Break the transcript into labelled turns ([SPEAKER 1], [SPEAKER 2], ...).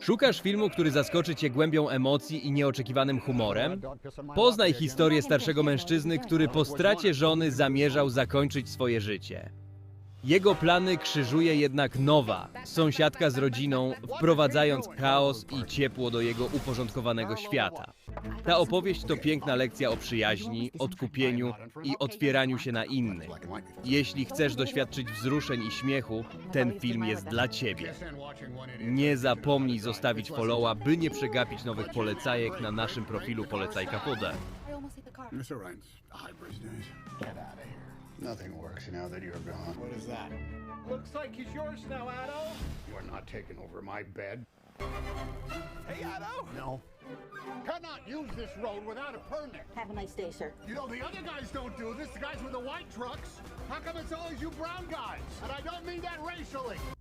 [SPEAKER 1] Szukasz filmu, który zaskoczy cię głębią emocji i nieoczekiwanym humorem? Poznaj historię starszego mężczyzny, który po stracie żony zamierzał zakończyć swoje życie. Jego plany krzyżuje jednak nowa, sąsiadka z rodziną, wprowadzając chaos i ciepło do jego uporządkowanego świata. Ta opowieść to piękna lekcja o przyjaźni, odkupieniu i otwieraniu się na innych. Jeśli chcesz doświadczyć wzruszeń i śmiechu, ten film jest dla ciebie. Nie zapomnij zostawić followa, by nie przegapić nowych polecajek na naszym profilu Polecajka Poda.
[SPEAKER 2] Mr. Rhines, hi, Bridge. Get out of here. Nothing works now that you're gone.
[SPEAKER 3] What is that?
[SPEAKER 4] Looks like he's yours now, Addo.
[SPEAKER 2] You're not taking over my bed.
[SPEAKER 4] Hey, Addo.
[SPEAKER 2] No. Cannot use this road without a permit.
[SPEAKER 5] Have a nice day, sir.
[SPEAKER 2] You know, the other guys don't do this, the guys with the white trucks. How come it's always you brown guys? And I don't mean that racially.